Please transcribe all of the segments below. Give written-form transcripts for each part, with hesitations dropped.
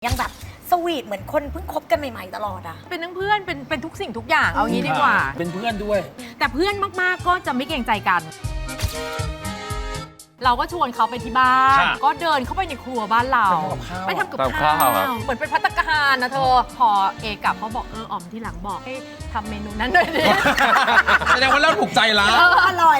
ยังแบบสวีทเหมือนคนเพิ่งคบกันใหม่ๆตลอดอ่ะเป็นทั้งเพื่อนเป็นทุกสิ่งทุกอย่างเอางี้ดีกว่าเป็นเพื่อนด้วยแต่เพื่อนมากๆก็จะไม่เกรงใจกัน เราก็ชวนเขาไปที่บ้านค่ะก็เดินเข้าไปในครัวบ้านเราไปทำกับข้าวเหมือนเป็นภัตตาคารนะเธอพอเอกลับเขาบอกอ๋อมที่หลังบอกให้ทำเมนูนั้นด้วยดิแสดงว่าเราถูกใจละอร่อย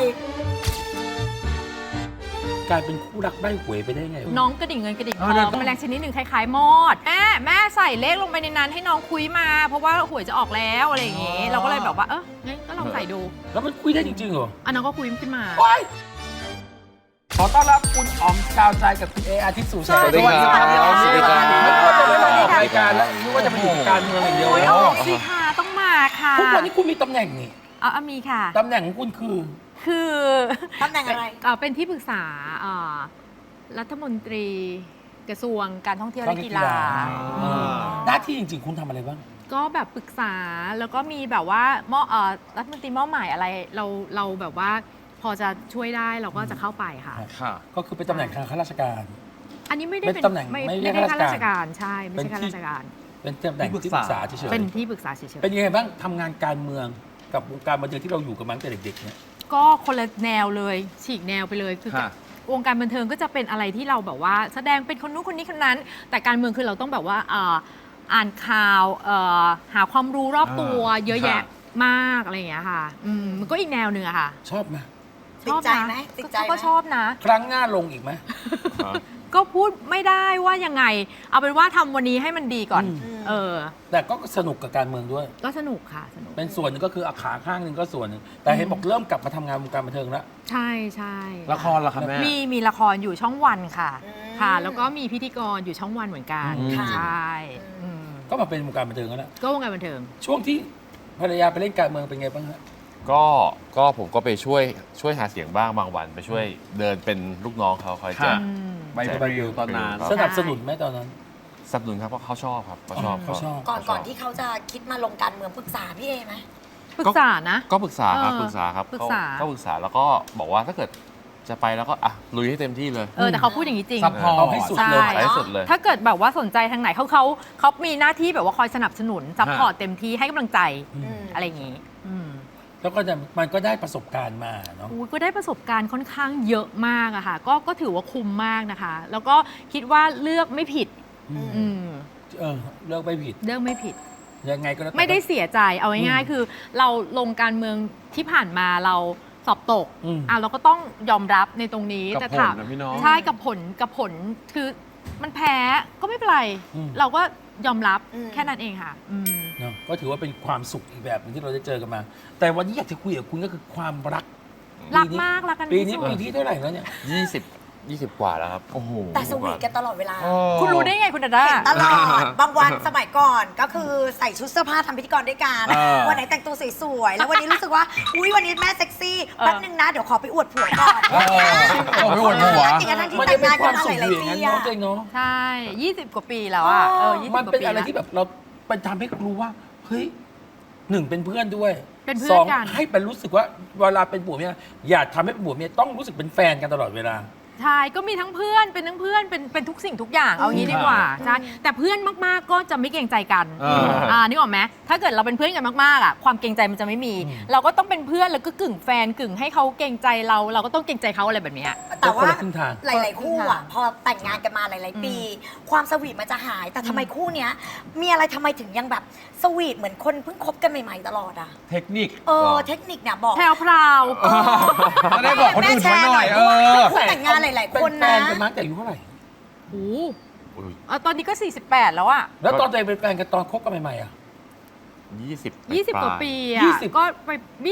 กลายเป็นคู่รักได้หวยไปได้ไงวะน้องกระดิ่งเงินกระดิ่งทเออเดี๋ยวองแมลงชนิดหนึ่งคล้ายๆมอดแม่ใส่เลขลงไปในนั้นให้น้องคุยมา เพราะว่าหวยจะออกแล้วอะไรอย่างงี้เราก็เลยแบบว่างั้นก็ลองใส่ดูแล้วมันคุยได้จริงๆเหรอน้องก็คุยขึ้นมาว้ายขอต้อนรับคุณอ๋อมกาวใจกับคุณเออาทิตย์สู่แสงสวัสดีครับสวัสดีครับสวัสดีไม่ครับว่าจะไม่มาออกรายการแล้วนึกว่าจะมาอยู่การเมืองอย่างเดียวโอ้ยแล้อวอกสิค่ะต้องมาค่ะทุกวันนี้คุณมีตำแหน่งนี่มีค่ะตำแหน่งของคุณคือคือตำแหน่งอะไรเป็นที่ปรึกษารัฐมนตรีกระทรวงการท่องเที่ยวและกีฬาหน้าที่จริงๆ คุณทำอะไรบ้างก็แบบปรึกษาแล้วก็มีแบบว่ารัฐมนตรีมอบหมายอะไรเราแบบว่าพอจะช่วยได้เราก็จะเข้าไปค่ะค่ะก็คือเป็นตำแหน่งทางข้าราชการอันนี้ไม่ได้เป็นตำแหน่งไม่ไม่ใช่ได้ข้าข้าราราชชกาการ รใช่ไม่ใช่ข้าราชการเป็นตำแหน่งที่ปรึกษาเฉยๆเป็นที่ปรึกษาเฉยเป็นยังไงบ้างทำงานการเมืองกับวงการบันเทิงที่เราอยู่กันมาตั้งแต่เด็กๆเนี่ยๆก็คนละแนวเลยฉีกแนวไปเลยคือค่ะวงการบันเทิงก็จะเป็นอะไรที่เราแบบว่าแสดงเป็นคนนู้นคนนี้คนนั้น แต่การเมืองคือเราต้องแบบว่าอ่านข่าวหาความรู้รอบตัวเยอะแยะมากอะไรอย่างเงี้ยค่ะมันก็อีกแนวหนึ่งอะค่ะชอบไหมติดใจไหมติดใจไหมก็ชอบนะครั้งหน้าลงอีกไหมก็พูดไม่ได้ว่ายังไง เอาเป็นว่าทำวันนี้ให้มันดีก่อนแต่ก็สนุกกับการเมืองด้วยก็สนุกค่ะสนุกเป็นส่วนหนึ่งก็คืออาขาข้างหนึ่งก็ส่วนหนึ่งแต่เห็นบอกเริ่มกลับมาทำงานวงการบันเทิงแล้วใช่ใช่ละครเหรอคะแม่มีละครอยู่ช่องวันค่ะค่ะ แล้วก็มีพิธีกรอยู่ช่องวันเหมือนกันค่ะใช่อืมก็มาเป็นวงการบันเทิงแล้วนะก็วงการบันเทิงช่วงที่ภรรยาไปเล่นการเมืองเป็นไงบ้างฮะก็ผมก็ไปช่วยหาเสียงบ้างบางวันไปช่วยเดินเป็นลูกน้องเขาคอยจะค่ะอืมใบปลิวตอนนั้นครับสนับสนุนไหมตอนนั้นสนับสนุนครับเพราะเขาชอบครับเขาชอบเขาชอบก่อนที่เขาจะคิดมาลงการเมืองปรึกษาพี่เอไหมปรึกษานะก็ปรึกษาครับเออปรึกษาครับปรึกษาก็ปรึกษาแล้วก็บอกว่าถ้าเกิดจะไปแล้วก็ลุยให้เต็มที่เลยแต่เขาพูดอย่างนี้จริงซัพพอร์ตเอาให้สุดเลยใช่ไปให้สุดเลยถ้าเกิดแบบว่าสนใจทางไหนเขามีหน้าที่แบบว่าคอยสนับสนุนซัพพอร์ตเต็มที่ให้กำลังใจ อะไรอย่างนี้แล้วก็จะมันก็ได้ประสบการณ์มาเนาะก็ได้ประสบการณ์ค่อนข้างเยอะมากอะค่ะก็ถือว่าคุ้มมากนะคะ แล้วก็คิดว่าเลือกไม่ผิด อืมเลือกไม่ผิดเลือกไม่ผิดยังไงก็แล้วแต่ไม่ได้เสียใจเอาง่ายๆคือเราลงการเมืองที่ผ่านมาเราสอบตกเราก็ต้องยอมรับในตรงนี้กับแต่ผลถามนะพี่น้องใช่กับผลคือมันแพ้ก็ไม่เป็นไร เราก็ยอมรับแค่นั้นเองค่ะเนาะก็ถือว่าเป็นความสุขอีกแบบหนึงที่เราได้เจอกันมา แต่วันนี้อยากจะคุยกับคุณก็คือความรักรักมากรักกันปีที่นี้สุดปีที่เท่าไหร่แล้วเนี่ย 20 กว่าแล้วครับโอ้โหแต่สวีทกันตลอดเวลาคุณรู้ได้ไงคุณดาด้าเห็นตลอด บางวันสมัยก่อนก็คือใส่ชุดเสื้อผ้าทำพิธีกรด้วยกัน วันไหนแต่งตัวสวยๆ แล้ววันนี้รู้สึกว่า อุ้ยวันนี้แม่เซ็กซี่ แป๊บนึงนะ เดี๋ยวขอไปอวดผัวก่อนไม่อวดหัวจริงๆทั้งที่มันแต่จะงเป็นงานคกัวาน มมาสุหขอลายยู่ๆอย่างปีนั้นอะเนาะเจ๊งเนาะใช่20 กว่าปีแล้วอะ20 มันกว่าเป็นปีอะไรแล้วที่แบบเราไปทำให้รู้ว่าเฮ้ยหนึ่งเป็นเพื่อนด้วยเป็นเพื่สอนองกันให้เป็นรู้สึกว่าเวลาเป็นผัวเมียอย่าทำให้เป็นผัวเมียต้องรู้สึกเป็นแฟนกันตลอดเวลาใช่ก็มีทั้งเพื่อนเป็นทั้งเพื่อนเป็นทุกสิ่งทุกอย่างเอางี้ดีกว่าใช่แต่เพื่อนมากๆก็จะไม่เกรงใจกันนึกออกไหมถ้าเกิดเราเป็นเพื่อนกันมากๆอ่ะความเกรงใจมันจะไม่มี เราก็ต้องเป็นเพื่อนแล้วก็กึ่งแฟนกึ่งให้เขาเกรงใจเราก็ต้องเกรงใจเขาอะไรแบบเนี้ยแต่ว่าคนละครึ่งทางหลาย ๆ คู่อ่ะ พอแต่งงานกันมาหลาย ๆ ปี ความสวีทมันจะหาย แต่ทำไมคู่เนี้ย มีอะไรทำไมถึงยังแบบสวีทเหมือนคนเพิ่งคบกันใหม่ ๆ ตลอดอ่ะเทคนิคเทคนิคเนี่ยบอกแพรวพราวจะได้บอกคนอื่นไว้หน่อยคู่แต่งงานหลาย ๆ คนเป็แฟนะนกันมาตั้งแต่อายุเท่าไหร่โอ้โหตอนนี้ก็ 48 แล้วอะแล้วตอนตัวเองเป็นแฟนกันตอนคบกันใหม่ๆอ่ะ 20 กว่าปียี่อะสิบก็ไป20 25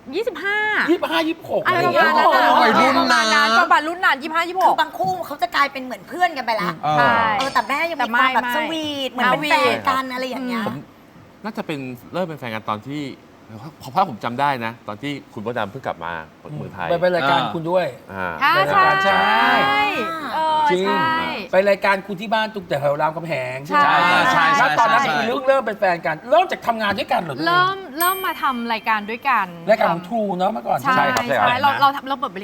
25 26 อะไรประเงี้มาณนั้นวัยรุ่นนะประมาณนั้นประมาณรุ่นนั้น25 คือบา 26 งคู่เขาจะกลายเป็นเหมือนเพื่อนกันไปละใช่แต่แม่ยังแต่มีไม่ความแบบไม่สวีทเหมือนเป็นแฟนกันอะไรอย่างเงี้ยผมน่าจะเป็นเริ่มเป็นแฟนกันตอนที่เพราะผมจำได้นะ ตอนที่คุณพ่อดำเพิ่งกลับมาเมืองไทยไปรายการคุณด้วยอ่าใช่ใช่ จริงใช่ไปรายการคุณที่บ้านตุกแต่แถวรามคำแหงใช่ไหมใช่แล้วตอนนั้นใช่คือเริ่มเป็นแฟนกัน เริ่มจากทำงานด้วยกันเหรอเริ่มมาทำรายการด้วยกันรายการของทรูเนาะเมื่อก่อนใช่ใช่ครับใช่เราเปิดบริ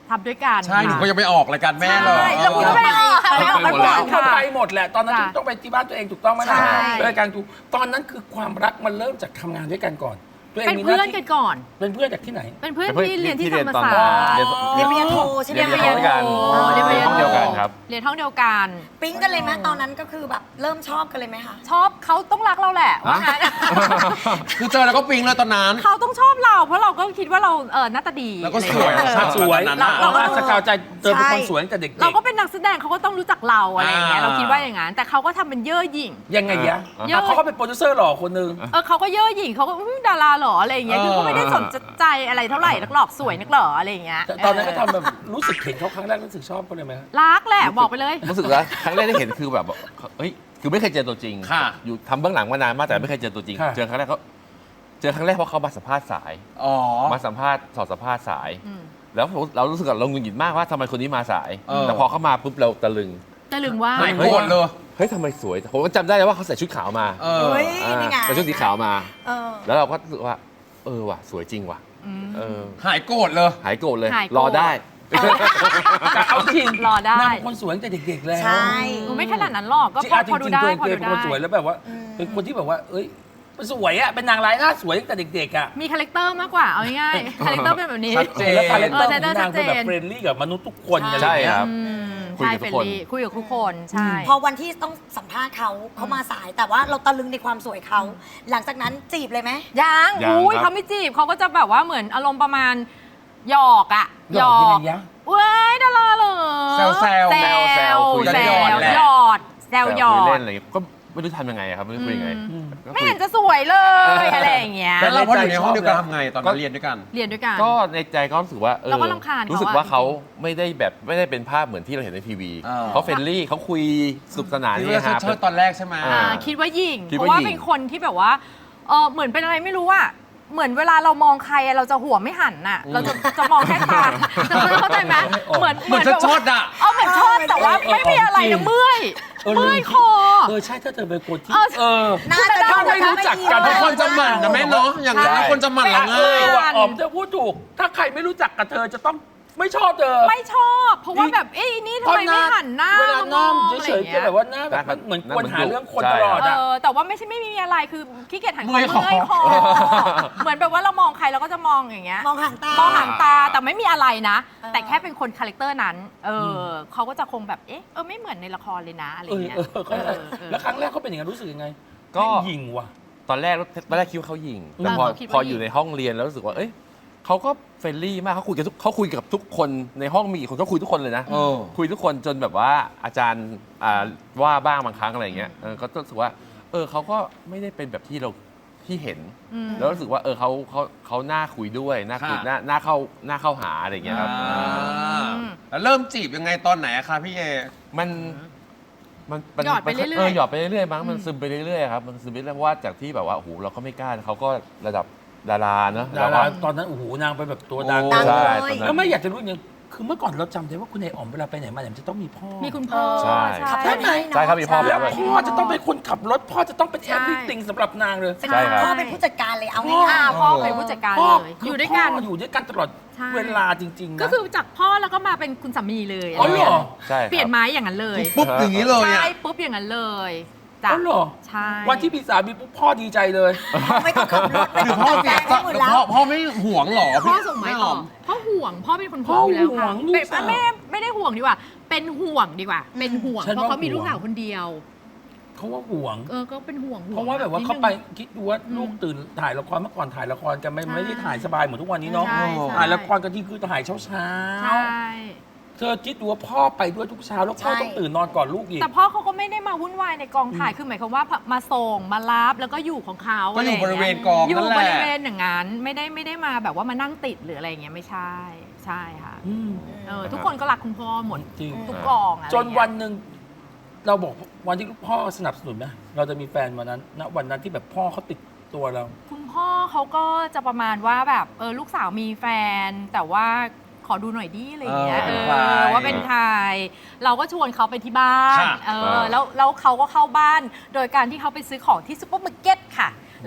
ทำด้วยกันใช่หนูก็ยังไปออกรายการแม่เลยใช่แล้วคุณก็ไม่ออกค่ะไม่ออกไปกันหมดก่แล้อวนคนค่ะไปหมดแหละตอนนั้นจ้ะต้องไปที่บ้านตัวเองถูกต้องไหมล่ะใช่รายการถูกตอนนั้นคือความรักมันเริ่มจากทำงานด้วยกันก่อนตัวเองเป็นมีหเพื่อนที่กันก่อนเป็นเพื่อนจากที่ไหนเป็นเพื่อนเป็นเพื่อนที่เรียนที่ที่เรียนธรรมตอนศาสตร์เรียนปริญญาโทใช่ไหมเรียนห้องเดียวกันอ๋อเรียนปริญญาโทห้องเดียวกันครับเรียนห้องเดียวกันปิ๊งกันเลยไหมตอนนั้นก็คือแบบเริ่มชอบกันเลยไหมคะชอบเขาต้องรักเราแหละว่างั้นคือเจอแล้วก็ปิ๊งเลยตอนนั้นเขาต้องชอบเราเพราะเราก็คิดว่าเราหน้าตาดีแล้วก็สวยอะไรอย่างเงี้ยสวยตอนนั้นเราก็สกาวใจเจอเป็นคนสวยตั้งแต่เด็กๆเราก็เป็นนักแสดงเขาก็ต้องรู้จักเราอะไรอย่างเงี้ยอ่าเราคิดว่าอย่างนั้นแต่เขาก็ทำเป็นเย่อหยิ่งยังไงยะเยอะเขาก็เป็นโปรดิวเซอร์หล่อคนหนึงเขาก็เย่อหยิ่งเขาก็อุ๊ยดาราเหรออะไรอย่างเงี้ยคือก็ไม่ได้สนใจอะไรเท่าไหร่นักหรอกสวยนักหรออะไรอย่างเงี้ยแต่ตอนนั้นก็ทำแบบรู้สึกเห็นเขาครั้งแรกรู้สึกชอบเขาเลยไหมรักแหละบอกไปเลยรู้สึกว่าครั้งแรกที่เห็นคือแบบเฮ้ยคือไม่เคยเจอตัวจริงค่ะอยู่ทำเบื้องหลังมานานมากแต่ไม่เคยเจอตัวจริงค่ะเจอครั้งแรกเพราะเขามาสัมภาษณ์สายอ๋อมาสัมภาษณ์สอบสัมภาษณ์สายอืมแล้วเรารู้สึกว่าเราหงุดหงิดมากว่าทำไมคนนี้มาสายเออแต่พอเขามาปุ๊บเราตะลึงจะลืมว่าหายโกรธเลยเฮ้ยทำไมสวยผมก็จำได้เลยว่าเขาใส่ชุดขาวมาเออเฮ้ยอ่านี่ไงใส่ชุดสีขาวมาเออแล้วเราก็รู้สึกว่า ว่ะสวยจริงว่ะอืมเออหายโกรธเลยหายโกรธเลยหายโกรธรอได้แต่เอาจริงรอได้นางเป็นคนสวยตั้งแต่เด็กๆแล้วใช่หนูไม่ขนาดนั้นหรอกก็จริงพออ่ะจพอดูริงได้ๆตัวเองพอ ดูได้เป็นคนสวยแล้วแบบว่า เป็นคนที่แบบว่า เอ้ยมันสวยอ่ะเป็นนางร้ายหน้าสวยตั้งแต่เด็กๆอ่ะมีคาแรคเตอร์มากกว่าเอาง่ายๆคาแรคเตอร์เป็นแบบนี้ชัดเจนแล้วคาแรคเตอร์เออของนางเป็นแบบชัดเจนเฟรนลี่กับมนุษย์ทุกคนอะไรใช่อย่างเงี้ยครับอืมคุยใช่กับเฟทุรกนคนลี่คุยกับทุกคนใช่พอวันที่ต้องสัมภาษณ์เขามาสาย แต่ว่าเราตะลึงในความสวยเขา หลังจากนั้นจีบเลยไหมยังยังอุ้ยครับเขาไม่จีบเขาก็จะแบบว่าเหมือนอารมณ์ประมาณหยอกอะหยอกยังไงยะเว้ยดาราเหรอแซวแซวแซวคุยแซหยอดวแหละหยอดแซวหยอคุดเล่นอะไรอย่างเงี้ยก็ไม่รู้ทำยังไงอะครับไม่รู้คุยยังไงอืมก็ไม่คุยเห็นจะสวยเลยอะไรอย่างเงี้ยแล้วเราพออยู่ในห้องเดียวกันทำไงตอนนั้นเรียนด้วยกันเรียนด้วยกันก็ในใจก็รู้สึกว่าเราก็รำคาญเขาอะรู้สึกว่าเขาไม่ได้เป็นภาพเหมือนที่เราเห็นในทีวีเออเขาเฟรนลี่เขาคุยสนุกสนานที่นี่ว่าครับเชิดตอนแรกใช่ไหมอ่าคิดว่าหยิงคิดเพว่าราะว่าหยิ่งเป็นคนที่แบบว่าเหมือนเป็นอะไรไม่รู้อะเหมือนเวลาเรามองใครอะเราจะหัวไม่หันน่ะ เราจะมองแค่ตาเข้าใจไหมเหมือนเหมือนจะชดอะเหมือนชดแต่ว่าไม่มีอะไรนะเมื่อยเออเมื่อยคอใช่ถ้าเธอเป็นคนที่เออน่าจะถ้าไม่รู้จักกันเพราะคนจะหมั่นนะแม่เนาะอย่างนั้นคนจะหมั่นเราเอง่ายอว่ะอ๋อมเธอพูดถูก ถ้าใครไม่รู้จักกับเธอจะต้องไม่ชอบเธอไม่ชอบ เพราะว่าแบบเอ้ยนี่ทำไมไม่หันหน้าเวลาหน้ามองเฉยๆจะแบบว่าหน้าแบบเหมือนควรหาเรื่องคนตลอดเออ่ะอแต่ว่าไม่มีอะไรคือขี้เกียจหันคอเมื่อยคอเมื่อยคอเหมือนแบบว่าเรามองใครเราก็จะมองอย่างเงี้ยมองหางตามองหางตาแต่ไม่มีอะไรนะเออแต่แค่เป็นคนคาแรคเตอร์นั้น เขาก็จะคงแบบไม่เหมือนในละครเลยนะอะไรเงี้ยแล้วครั้งแรกเขาเป็นอย่างนั้นรู้สึกยังไงก็แม่งยิงว่ะตอนแรกคิดว่าเขาหยิงแต่พอเขาคิดว่าพอหยิ่งอยู่ในห้องเรียนแล้วรู้สึกว่าเขาก็เฟรนลี่มากเขาคุยกับทุกคนในห้องมีกี่คนเขาคุยทุกคนเลยนะเออคุยทุกคนจนแบบว่าอาจารย์ว่าบ้างบางครั้งอะไรอย่างเงี้ยก็รู้สึกว่าเขาก็ไม่ได้เป็นแบบที่เห็นอืมแล้วรู้สึกว่าเขาน่าคุยด้วยน่าคุยค่ะน่าเข้าหาอะไรอย่างเงี้ยครับแล้วเริ่มจีบยังไงตอนไหนอะคะพี่เอมันหยอดไปเรื่อยๆหยอดไปเรื่อยๆมั้งมันซึมไปเรื่อยๆครับมันซึมไปเรื่อยๆเพราะว่าจากที่แบบว่าโอ้โหเราก็ไม่กล้าเขาก็ระดับดาราเนอะดาราตอนนั้นโอ้โหนางไปแบบตัวดังโอ้ดังใช่เลยตอนนั้แล้วนไม่อยากจะรู้อย่างคือเมื่อก่อนเราจำได้ว่าคุณนายอ๋อมเวลาไปไหนมาไหนมันจะต้องมีพ่อมีคุณพ่อใช่ขับได้ไหมใช่ครับมีพ่อแล้วด้วยพ่อจะต้องเป็นคนขับรถ พ่อจะต้องเป็นแอใช่ฟริติงสำหรับนางเลยใช่ครับพ่อเป็นผู้จัดการเลยเอาพ่อง่ายพ่อเป็นผู้จัดการพ่อเลยคือยู่ด้วยกันพ่อยู่ด้วยกันตลอดใช่เวลาจริงๆนะก็คือจากพ่อแล้วก็มาเป็นคุณสามีเลยอ๋อเหรอใช่ครับเปลี่ยนไม้อย่างนั้นเลยปุ๊บอย่างนี้เลยใช่อะปุ๊บอย่างนั้นเลยจ้ะอ๋อเหรอใช่วันที่มีสามีปุ๊บพ่อดีใจเลยๆไม่ต้องขับรถไม่หรืต้อองพ่อแต่เสียงให้หมดแล้วพ่อไม่ห่วงเหรอพ่อส่งไม้ต่ออพ่อห่วงพ่อเป็นคนพ่อห่วงอยู่แล้วค่ะห่วงลูกเป็นสาวไม่ได้ห่วงดีกว่า เป็นห่วงดีกว่า เป็นห่วงฉันเพว่าราะเขามีห่วงลูกสาวคนเดียวเขาว่าห่วงก็เป็นห่วงเพราะว่าแบบว่านิดเขานึงไปคิดดูว่าลูกตื่นถ่ายละครเมื่อก่อนถ่ายละครกันไม่ได้ถ่ายสบายเหมือนทุกวันนี้เนาะใช่ใช่ถ่ายละครกันที่คือถ่ายเช้าใช่ๆเธอคิดดูว่าพ่อไปด้วยทุกเช้าแล้วพ่อใช่ต้องตื่นนอนก่อนลูกอีกแต่พ่อเขาก็ไม่ได้มาวุ่นวายในกองถ่ายคือหมายความว่ามาส่งมารับแล้วก็อยู่ของเขาก็อยู่ะบไางริงี้เวณกองอยู่นั่นแหบละริเวณอย่างนั้นไม่ได้มาแบบว่ามานั่งติดหรืออะไรอย่างเงี้ยไม่ใช่ใช่ค่ะอืมทุกคนก็รักคุณพ่อหมดจริงทุกกองอะไรจอย่างนเงี้ยวันหนึ่งเราบอกวันที่พ่อสนับสนุนไหมเราจะมีแฟนวันนั้นณวันนั้นที่แบบพ่อเขาติดตัวเราคุณพ่อเขาก็จะประมาณว่าแบบลูกสาวมีแฟน แต่ว่าขอดูหน่อยดิอะไรอย่างเงี้ยเป็นใครว่าเป็นใครเราก็ชวนเขาไปที่บ้านค่ะแล้วเขาก็เข้าบ้าน โดยการที่เขาไปซื้อของที่ซุปเปอร์มาร์เก็ตค่ะ แล้วก็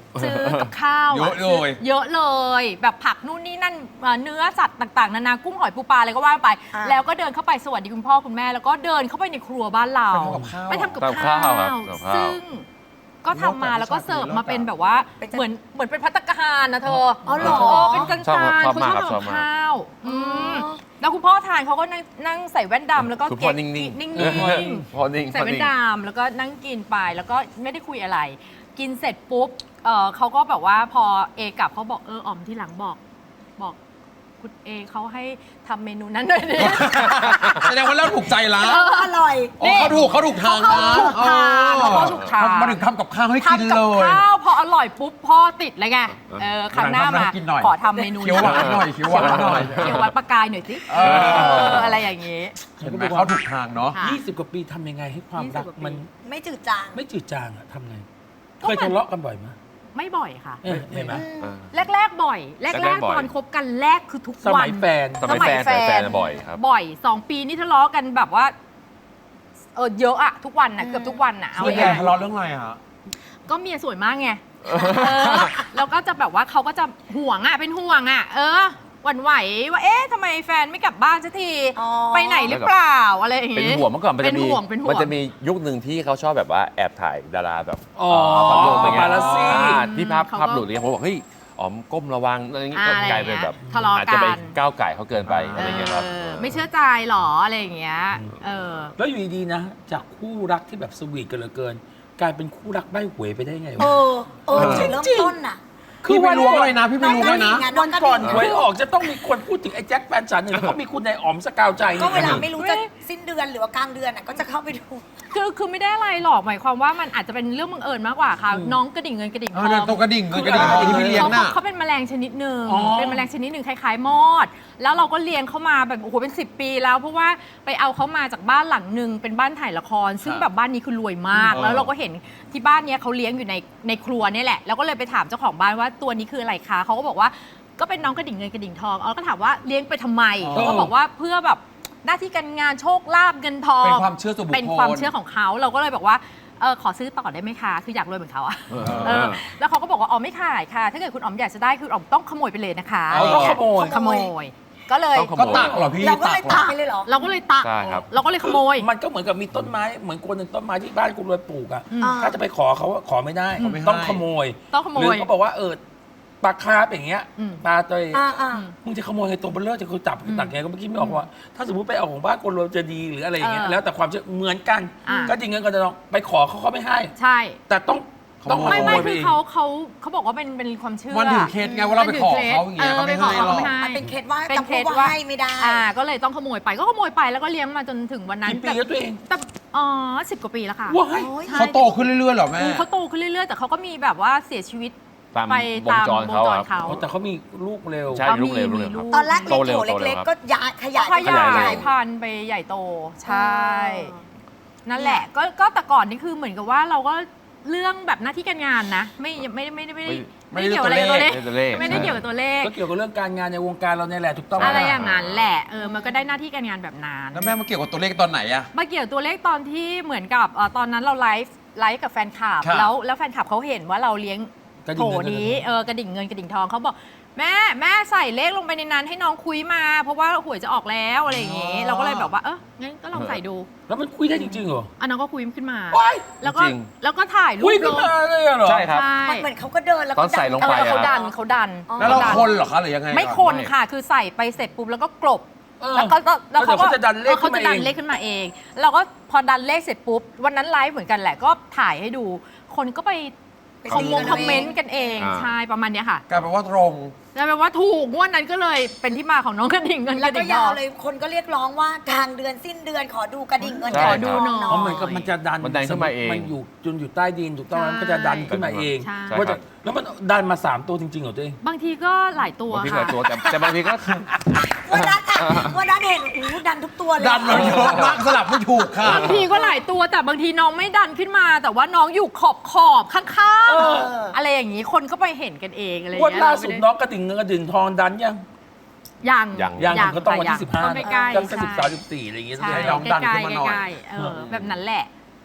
ซื้อกับข้าวเยอะเลยเยอะเลย แบบผักนู่นนี่นั่นเนื้อสัตว์ต่างๆนานากุ้งหอยปูปลาอะไรก็ว่าไป แล้วก็เดินเข้าไปสวัสดีคุณพ่อคุณแม่แล้วก็เดินเข้าไปในครัวบ้านเราไปทำกับข้าวไปทำกับข้าวทำกับข้าวครับทำกับข้าวซึ่งก็ทำมาแล้วก็เสิร์ฟมาเป็นแบบว่าเหมือนเป็นภัตตาคารนะเธออ๋อเหรอเป็นจานชอบๆชอบเขามากชอบครับชอบทำกับมากข้าวแล้วคุณพ่อทานเขาก็นั่งใส่แว่นดำแล้วก็คุณพ่อเก๊กนิ่งๆนิ่งพ่อนิ่งๆใส่แว่นดำแล้วก็นั่งกินไปแล้วก็ไม่ได้คุยอะไร กินเสร็จปุ๊บเขาก็แบบว่าพอเอกลับเขาบอกอ๋อมที่หลังบอกคุณเอเขาให้ทำเมนูนั้นด้วยดิแสดงว่าเราถูกใจละอร่อยอ๋อเขาถูกทางนะเขาถูกทางเขาถูกทางมาถึงทำกับข้าวให้กินทำกับเลยข้าวพออร่อยปุ๊บพ่อติดเลยไงครั้งหน้ามากินหน่อยขอทำเมนูเขียวหวานหน่อยเขียวหวานหน่อยเขียวหวานประกายหน่อยสิอะไรอย่างงี้เห็นไหมเขาถูกทางเนาะค่ะ 20 กว่าปีทำยังไงให้ความรัก 20 กว่าปีมันไม่จืดจางไม่จืดจางอะทำไงก็เคยมันทะเลาะกันบ่อยไหมไม่บ่อยค่ะเห็นไหมแรกๆบ่อย แรแรกกๆบ่อยๆตอนคบกันแรกคือทุกสวัมัน ยแฟนสมัยแฟนบ่อยครับบ่อย2 ปีนี่ทะเลาะกันแบบว่าเยอะอะทุกวันอะเกือบทุกวันอะเอาส่วนใหญ่ง่ายทะเลาะเรื่องอะไรอะก็เมียสวยมากไงแล้วก็จะแบบว่าเขาก็จะห่วงอะเป็นห่วงอะหวั่นไหวว่าทำไมแฟนไม่กลับบ้านสักทีอ๋อไปไหนหรือเปล่าอะไรอย่างเป็นงี้ห่วงเมื่อก่อนมันเป็จะนมีห่วงเป็นห่วงมันจะมียุคหนึ่งที่เขาชอบแบบว่าแอบถ่ายดาราแบบอ๋อพัดลมอะไรเงี้ยปาปารัสซี่ที่ภาพหลุดอะไรเงี้ยผมบอกเฮ้ยอ๋อมก้มระวังอะไรเงี้ยก็อะไรกลายเป็นแบบทะเลาะกันอาจจะไปก้าวไก่เขาเกินไปอะไรเงี้ยครับไม่เชื่อใจหรออะไรอย่างเงี้ยแล้วอยู่ดีๆนะ จากคู่รักที่แบบสวีทกันเหลือเกิน กลายเป็นคู่รักใบ้หวยไปได้ไงวะจุดเริ่มต้นน่ะพี่ไม่รู้เลยนะ พี่ไม่รู้เลยนะวันก่อนหวยออกจะต้องมีคนพูดถึงไอ้แจ็คแฟนฉันเนี่ยแล้วก็มีคุณนายอ๋อมสกาวใจก็เนี่ยเวลาไม่รู้จะสิ้นเดือนหรือว่ากลางเดือนน่ะก็จะเข้าไปดูคือไม่ได้อะไรหรอกหมายความว่ามันอาจจะเป็นเรื่องบังเอิญมากกว่าค่ะ น้องกระดิ่งเงินกระดิ่งทเอออนั่นงตัวกระดิ่งเงินกระดิ่งทองที่พี่เลี้ยงน่ะเขาเป็นแมลงชนิดหนึ่งเป็นแมลงชนิดหนึ่งคล้ายๆมอด แล้วเราก็เลี้ยงเขามาแบบโอ้โหเป็น10 ปีแล้วเพราะว่าไปเอาเขามาจากบ้านหลังหนึ่งเป็นบ้านถ่ายละคร ซึ่งแบบบ้านนี้คือรวยมาก แล้วเราก็เห็นที่บ้านเนี้ยเขาเลี้ยงอยู่ในครัวเนี่ยแหละแล้วก็เลยไปถามเจ้าของบ้านว่าตัวนี้คืออะไรคะเขาก็บอกว่าก็เป็นน้องกระดิ่งเงินกระดิ่งทองเราก็ถามว่าเลี้ยงไปทำไมเขาก็บอกว่าเพื่อแบบหน้าที่การงานโชคลาภเงินทองเป็นความเชื่อส่วนบุคคลเป็นความเชื่อของเขาเราก็เลยบอกว่าขอซื้อต่อได้ไหมคะคืออยากรวยเหมือนเขาอะแล้วเขาก็บอกว่าอ๋อไม่ขายค่ะ ถ้าเกิดคุณอ๋อมอยากจะได้คืออ๋อมต้องขโมยไปเลยนะคะเอาต้องขโมยขโมย ก็เลยต้องขโมก็ตักเหรอพี่เราก็เลยตัตักกไปเลยเหรอเราก็เลยตักใช่ครับเราก็เลยขโมยมันก็เหมือนกับมีต้นไม้เหมือนคนหนึ่งต้นไม้ที่บ้านคุณรวยปลูกอ่ะอ่าถ้าจะไปขอเขาอะขอไม่ได้เขาไม่ให้ต้องขโมยต้องขโมยหรือเขาบอกว่าปลาคาร์ฟอย่างเงี้ยอืมปลาตัวอ่ามึงจะขโมยไงตัวเบลเลอร์จะคือจับตักไงก็เมื่อกี้ไม่ออกว่า ถ้าสมมติไปเอาของบ้านคนรวยจะดีหรืออะไรอย่างเงี้ยแล้วแต่ความเชื่อเหมือนกันอ่าก็จริงเงินก็จะต้องไปขอเขาไม่ให้ใช่แต่ต้องมาไม่ขโมไม่ยไปคือเองเขาบอกว่าเป็นความเชื่อมันถึงเคสไงว่าเราไปขอเขาอย่างเงี้ยเขาไม่ให้หรอกมันเป็นเคล็ดว่าเป็นจำเคพล็วดกว่าว่าให้ไม่ได้ก็เลยต้องขโมยไปก็ขโมยไปแล้วก็เลี้ยงมาจนถึงวันนั้นกี่ปีแล้วตัวเองแต่10 กว่าปีแล้วค่ะว้ายโอ้ยใช่เขาโตขึ้นเรื่อยๆเหรอแม่เขาโตขึ้นเรื่อยๆ แต่เขาก็มีแบบว่าเสียชีวิตตามไปวงตามจรวงเขาจรครับเขาแต่เขามีลูกเร็วใช่ ลูกเร็วมีลูกเร็วครับตอนแรกเล็กโตเร็วโถเล็กครับๆก็ขยายขยาขยายยพันธุ์ไปใหญ่โตใช่ นั่นแหละก็แต่ก่อนนี่คือเหมือนกับว่าเราก็เรื่องแบบหน้าที่การงานนะไม่ได้เกี่ยวอะไรกับตัวเลขไม่ได้ตัวเลขไม่ได้เกี่ยวกับตัวเลขก็เกี่ยวกับเรื่องการงานในวงการเราเนี่ยแหละถูกต้องหมอะไรอย่างนั้นแหละมันก็ได้หน้าที่การงานแบบนั้นแล้วแม่มาเกี่ยวกับตัวเลขตอนไหนอะมาเกี่ยวตัวเลขตอนที่เหมือนกับตอนนั้นเราไลฟ์กับแฟนคลับครับแล้วแฟนคลับเขาเห็นว่าเราเลี้ยงกระโถดิ่งเงินนี้กระดิ่งเงินกระดิ่งทองเขาบอกแม่ใส่เลขลงไปในนั้นให้น้องคุยมา เพราะว่าหวยจะออกแล้วอะไรอย่างงี้เราก็เลยแบบว่างั้นก็ลองใส่ดูแล้วมันคุยได้จริงๆเหรอน้องก็คุยขึ้นมาว้ายแล้วก็จริงแล้วก็ถ่ายรูคุยปขึ้ลนงมาเลยเหรอใช่ครับใช่มันเหมือนเขาก็เดินแล้วตอนใส่ลงไปเขาอะดันแล้วเราขคนเหรอคะหรือยังไงไม่ก่อคนค่ะคือใส่ไปเสร็จปุ๊บแล้วก็กลบ แล้วเขาแล้วเขาจะดันเลขเขาขึ้นจะมาดันเองเลขขึ้นมาเอง เราก็พอดันเลขเสร็จปุ๊บวันนั้นไลฟ์เหมือนกันแหละก็ถ่ายให้ดู คนก็ไปคอมเมนต์กันเองอ่าใช่ประมาณเนี้ยค่ะกลายเป็นว่าตรงแล้วแปลว่าถูกงวดนั้นก็เลยเป็นที่มาของน้องกระดิ่งเงินกแล้วระก็ดิ่งทยาอวงเลยคนก็เรียกร้องว่ากลางเดือนสิ้นเดือนขอดูกระดิ่งเงินใช่กระดิ่งทองขอดูหน่อยเพราะเหมือนกับมันจะดันมันดันขึ้นมาเองมันอยู่ใต้ดินถูกต้องไหมใช่มันก็จะดันขึ้นมาเองใช่ว่าจะแล้วมันดันมา3ตัวจริงๆเหรอตัวเองบางทีก็หลายตัวบางทีหค่ะลายตัวแต่บางทีก็วันนั้นเห็นดันทุกตัวเลยดันเราเยอะมากสลับไม่ถูกค่ะบางทีก็หลายตัวแต่บางทีน้องไม่ดันขึ้นมา แต่ว่าน้องอยู่ขอบข้างๆอะไรอย่างนี้คนก็ไปเห็นกันเองอะไรอย่างวันเงี้ยล่าสุดน้องกระดิ่งเงินกระดิ่งทองดันยังยังยังก็ต้องวันที่ค่ะ 15 ใกล้ๆยังใช่ 13 14อะไรอย่างเงี้ยใช่ให้น้องดันขึ้นมาหน่อยใกล้ๆแบบนั้นแหละ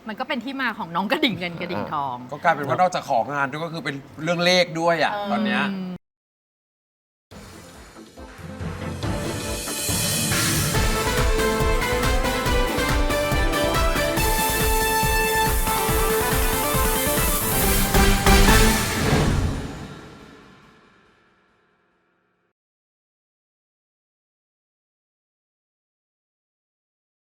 มันก็เป็นที่มาของน้องกระดิ่งเงินกระดิ่งทองก็กลายเป็นว่านอกจากของานด้วยก็คือเป็นเรื่องเลขด้วยอ่ะตอนเนี้ยอืม